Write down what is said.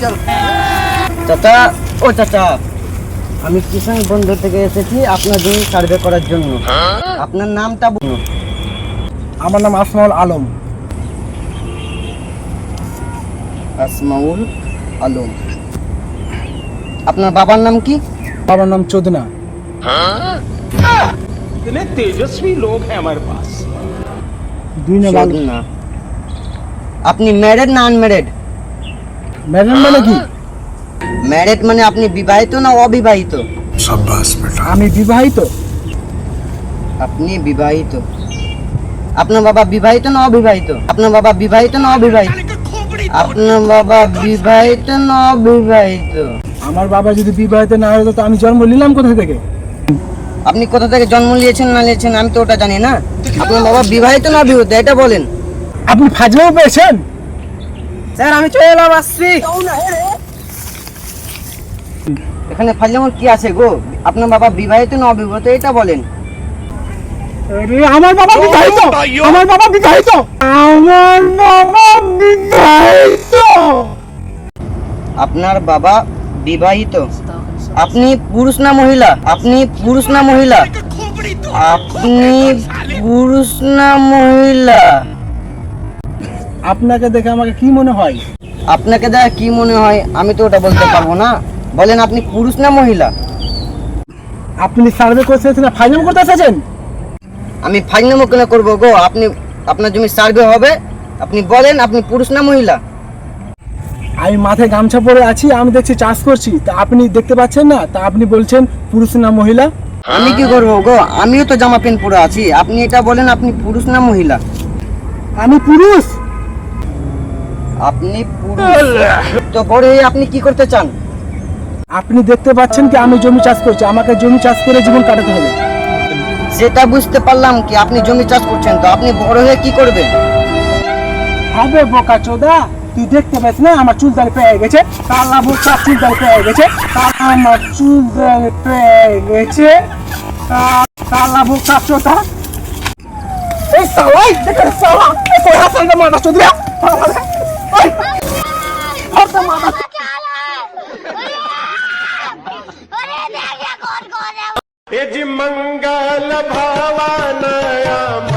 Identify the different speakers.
Speaker 1: চল। চাচা, ও চাচা, আমি কিষাণ বন্ধু থেকে এসেছি আপনার জমি সার্ভে করার জন্য। আপনার নামটা বলুন।
Speaker 2: আমার নাম আসমাউল আলম।
Speaker 1: আসমাউল আলম। আপনার বাবার নাম কি?
Speaker 2: বাবার নাম চোদনা।
Speaker 3: इतने तेजस्वी लोग हैं हमारे पास।
Speaker 2: দুই নাম
Speaker 1: চোদনা। আপনি ম্যারেড না আনম্যারেড?
Speaker 2: ম্যাডাম মানে কি?
Speaker 1: ম্যারেড মানে আপনি বিবাহিত না অবিবাহিত?
Speaker 2: আমি বিবাহিত।
Speaker 1: আপনি বিবাহিত। আপনার বাবা বিবাহিত না অবিবাহিত? আপনার বাবা বিবাহিত না অবিবাহিত? আপনার বাবা বিবাহিত না অবিবাহিত?
Speaker 2: আমার বাবা যদি বিবাহিত না হতো তো আমি জন্ম নিলাম কোথা থেকে?
Speaker 1: আপনি কোথা থেকে জন্ম নিয়েছেন না নিয়েছেন আমি তো ওটা জানি না। আপনার বাবা বিবাহিত না অবিবাহিত এটা বলেন।
Speaker 2: আপনি ফাজলামো পেয়েছেন?
Speaker 1: স্যার আমি চলে এলাম, আসছি। এখানে ফাজলামোর কি আছে গো? আপনার বাবা বিবাহিত না অবিবাহিত এটা বলেন।
Speaker 2: আরে আমার বাবা বিবাহিত। আমার বাবা বিবাহিত। আমার বাবা বিবাহিত।
Speaker 1: আপনার বাবা বিবাহিত। আপনি পুরুষ না মহিলা? আপনি পুরুষ না মহিলা? আপনি পুরুষ না মহিলা?
Speaker 2: আপনাকে দেখে আমাকে কি মনে হয়?
Speaker 1: আপনাকে দেখা কি মনে হয় আমি তো ওটা বলতে পারবো না। বলেন আপনি পুরুষ না মহিলা?
Speaker 2: আপনি সার্ভে করতে এসেছেন না ফাজলামো করতে এসেছেন?
Speaker 1: আমি ফাইনামো কেন করবো গো? আপনি আপনার জমি সার্ভে হবে, আপনি বলেন আপনি পুরুষ না মহিলা?
Speaker 2: আমি মাথায় গামছা পরে আছি, আমি দেখছি চাষ করছি, তা আপনি দেখতে পাচ্ছেন না, তা আপনি বলছেন পুরুষ না মহিলা?
Speaker 1: আমি কি করবো গো? আমিও তো জামা প্যান্ট পরে আছি। আপনি এটা বলেন আপনি পুরুষ না মহিলা?
Speaker 2: আমি পুরুষ।
Speaker 1: আপনি পুরুষ তো বড় হয়ে আপনি কি করতে চান?
Speaker 2: আপনি দেখতে পাচ্ছেন কি আমি জমি চাষ করছি, আমাকে জমি চাষ করে জীবন কাটাতে হবে।
Speaker 1: সেটা বুঝতে পারলাম কি আপনি জমি চাষ করছেন, তো আপনি বড় হয়ে কি করবেন?
Speaker 2: হবে বোকা চোদা, তুই দেখতে পাস না আমার চুল দাড়ি পেয়ে গেছে, কালা বোকা চুল দাড়ি পেয়ে গেছে, আমার চুল দাড়ি পেয়ে গেছে, কালা বোকা চোদা। এই সালাই দেখে সালা এই তোর হাসান না মাথা চোদা। ওই হরতা মাথা
Speaker 3: ये जी मंगल भावानया